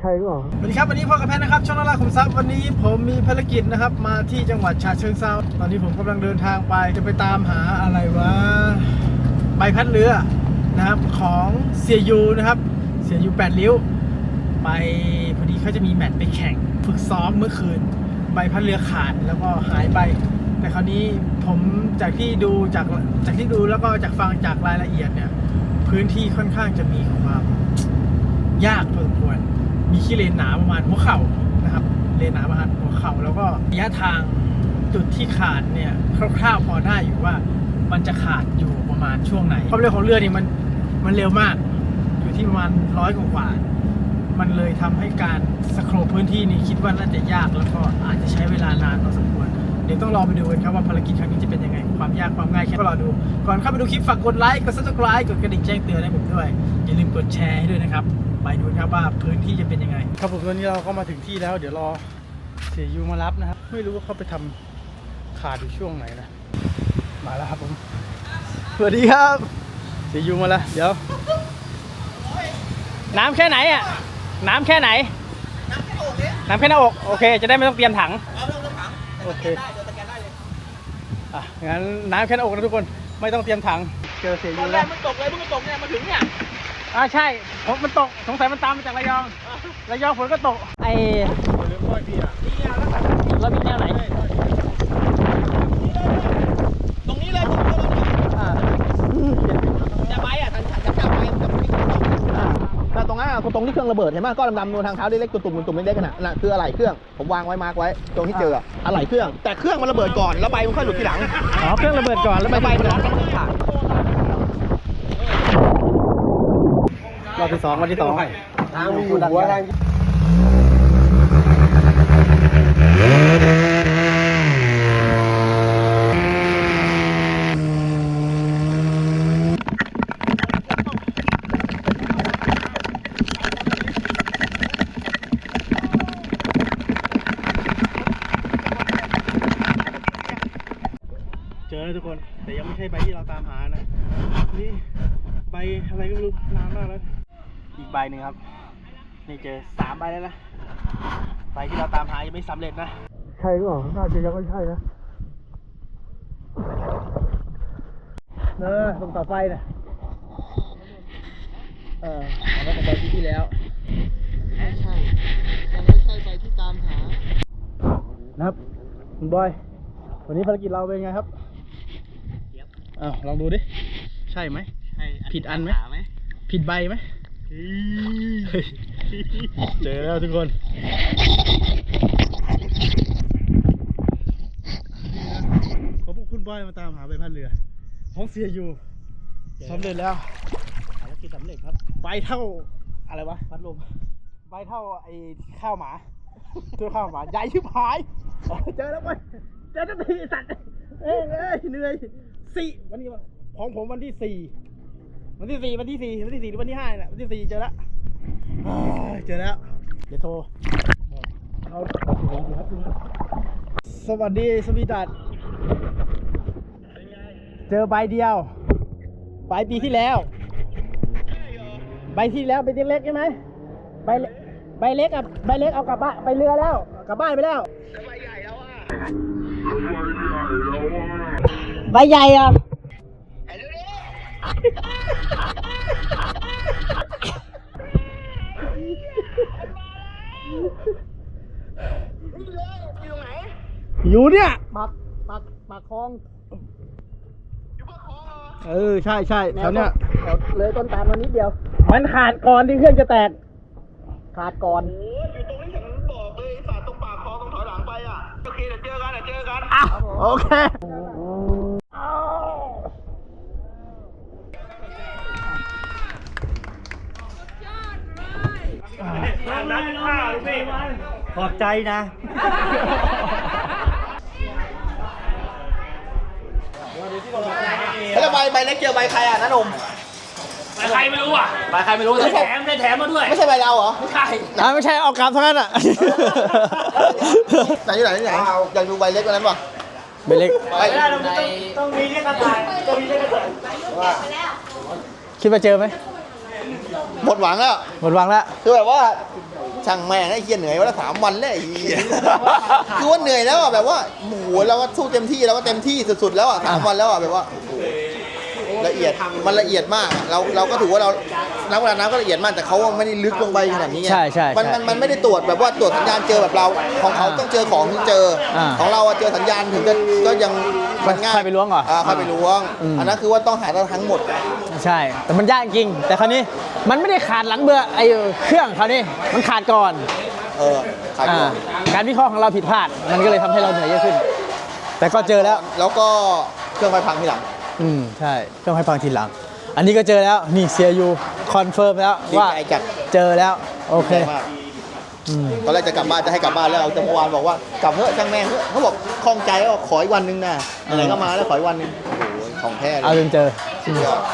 รหรือเปล่าสวัสดีครับวันนี้พ่อกับแพทนะครับช่องนาราขุมทรัพย์วันนี้ผมมีภารกิจนะครับมาที่จังหวัดฉะเชิงเทราตอนนี้ผมกำลังเดินทางไปจะไปตามหาอะไรวะใบพัดเรือนะครับของเสียยูนะครับเสียยู8 ริ้วไปพอดีเขาจะมีแมตช์ไปแข่งฝึกซ้อมเมื่อคืนใบพัดเรือขาดแล้วก็หายไปแต่คราวนี้ผมจากที่ดูแล้วก็จากฟังจากรายละเอียดเนี่ยพื้นที่ค่อนข้างจะมีความยากพอสมควรมีขี้เลนหนาประมาณหัวเข่านะครับเลนหนาประมาณหัวเข่าแล้วก็ระยะทางจุดที่ขาดเนี่ยคร่าวๆพอได้อยู่ว่ามันจะขาดอยู่ประมาณช่วงไหนความเร็วของเรือนี่มันเร็วมากอยู่ที่ประมาณ100 กว่ามันเลยทำให้การสโครปพื้นที่นี้คิดว่าน่าจะยากแล้วก็อาจจะใช้เวลานานพอสมควรเดี๋ยวต้องรอไปดูกันครับว่าภารกิจครั้งนี้จะเป็นยังไงความยากความง่ายแค่ก็รอดูก่อนเข้าไปดูคลิปฝากกดไลค์กด Subscribe กดกระดิ่งแจ้งเตือนให้ผมด้วยอย่าลืมกดแชร์ให้ด้วยนะครับไปดูครับว่าพื้นที่จะเป็นยังไงครับผมตอนนี้เราก็มาถึงที่แล้วเดี๋ยวรอเสียยูมารับนะครับไม่รู้ว่าเขาไปทำขาดอยู่ช่วงไหนนะมาแล้วครับผมสวัสดีครับเสียยูมาแล้วเดี๋ยวน้ำแค่ไหนอ่ะน้ำแค่ไหนน้ำแค่หน้าอกโอเคจะได้ไม่ต้องเตรียมถังโอเคงั้นน้ำแค่หน้าอกนะทุกคนไม่ต้องเตรียมถังเจอเสียยูแล้วมันตกเลยเพิ่งตกเนี่ยมาถึงเนี่ยใช่มันตกสงสัยมันตามมาจากระยองฝนก็ตกไอ้เรื่องก้อยพี่อ่ะแล้วมีแนวไหนตรงนี้เลยจะไปอ่ะฉันจะไปกับพี่แต่ตรงนั้นตรงที่เครื่องระเบิดเห็นไหมก้อนดำๆนูนทางเท้าเล็กๆตุ่มๆเล็กๆน่ะคืออะไหล่เครื่องผมวางไว้มาร์กไว้ตรงที่เจออะไหล่เครื่องแต่เครื่องมันระเบิดก่อนแล้วใบมันค่อยหลุดทีหลังเครื่องระเบิดก่อนแล้วใบมันหลุดขาดรอบที่ 2วันที่ 2ทางมีอยู่หัวทางเจอแล้วทุกคนแต่ยังไม่ใช่ใบที่เราตามหานะนี่ใบอะไรก็ไม่รู้นานมากแล้วอีกใบหนึ่งครับนี่เจอ3 ใบแล้วนะใบที่เราตามหายังไม่สำเร็จนะใช่หรือเปล่าน่าจะยังไม่ใช่นะตรงต่อไฟนะเอาแล้วของใบที่แล้วไม่ใช่ยังไม่ใช่ใบที่ตามหานะครับคุณบอยวันนี้ภารกิจเราเป็นไงครับลองดูดิใช่ไหมผิดอันไหมผิดใบไหมเจอแล้วทุกคนขอพวกคุณบอยมาตามหาใบพัดเรือของเสียอยู่สำเร็จแล้วภารกิจสำเร็จครับใบเท่าอะไรวะพัดลมใบเท่าไอ้ข้าวหมาตัวข้าวหมาใหญ่ชิบหายเจอแล้วไปเจอทันทีสัตว์เหนื่อย4วันนี้ของผมวันที่ 4วันที่ 4หรือวันที่ 5เนี่ยวันที่ 4เจอแล้วเดี๋ยวโทรเอาสวัสดีสวีดัตเจอใบเดียวใบปีที่แล้วใบที่แล้วใบเล็กใช่ไหมใบเล็กเอากลับบ้านไปเรือแล้วกลับบ้านไปแล้วใบใหญ่แล้วใบใหญ่อ่ะอยู่เนี่ยปากคลองอยู่ปากคลองใช่แถวเนี้ยเลยต้นตาลมานิดเดียวมันขาดก่อนที่เครื่องจะแตกขาดก่อนอยู่ตรงนี้ฉันบอกเลยสาดตรงปากคลองตรงถอยหลังไปโอเคเดี๋ยวเจอกันโอเคนักข่าวพี่ขอบใจนะแล้วใบเล็กเจอใบใครน้าหนุ่มใบใครไม่รู้ใบใครไม่รู้ได้แถมมาด้วยไม่ใช่ใบเราเหรอไม่ใช่ไม่ใช่เอากลับเท่านั้นไหนอยากดูใบเล็กกว่านั้นป่ะใบเล็กต้องมีเล็กกระต่ายคิดว่าเจอไหมหมดหวังแล้วคือแบบว่าช่างแม่งไอ้เหี้ยเหนื่อยวันละ3 วันแล้วไอ้เหี้ยคือว่าเหนื่อยแล้วอ่ะแบบว่าโอ้โหเราก็สู้เต็มที่เราก็เต็มที่สุดๆแล้วอ่ะ3 วันแล้วอ่ะแบบว่าละเอียดมันละเอียดมากเราก็ถือว่าเรานักประดาน้ำก็ละเอียดมากแต่เขาไม่ได้ลึกลงไปขนาดนี้ไงใช่ใช่มันไม่ได้ตรวจแบบว่าตรวจสัญญาณเจอแบบเราของเขาต้องเจอของที่เจอของเราเจอสัญญาณถึงก็ยังมันง่ายค่อยไปล้วงเหรอค่อยไปล้วงอันนั้นคือว่าต้องหาทั้งหมดใช่ แต่มันยากจริงแต่คราวนี้มันไม่ได้ขาดหลังเบื่อไอ้เครื่องคราวนี้มันขาดก่อนขายก่อนการวิเคราะห์ของเราผิดพลาดมันก็เลยทำให้เราเหนื่อยเยอะขึ้น แต่ก็เจอแล้วก็เครื่องไฟพังทีหลังใช่ต้องให้ฟังทีหลัง อันนี้ก็เจอแล้วนี่เซียยูคอนเฟิร์มแล้วว่าเจอแล้วโอเคตอนแรกจะกลับบ้านจะให้กลับบ้านแล้วแต่เมื่อวานบอกว่ากลับเถอะช่างแม่งเถอะเขาบอกคล่องใจว่าขออีกวันนึงนะอะไรก็มาแล้วขออีกวันนึงโอ้โหของแท้เลยเอาจนเจอสุดยอด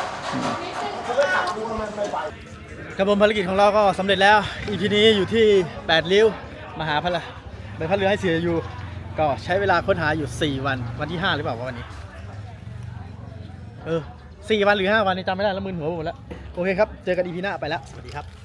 ครับผมภารกิจของเราก็สำเร็จแล้ว EP นี้อยู่ที่8ริ้วมาหาใบพัดเรือให้เสียอยู่ก็ใช้เวลาค้นหาอยู่4วันวันที่5หรือเปล่าวันนี้4 วันหรือ5 วันนี่จำไม่ได้แล้วมึนหัวหมดแล้วโอเคครับเจอกัน EP หน้าไปแล้วสวัสดีครับ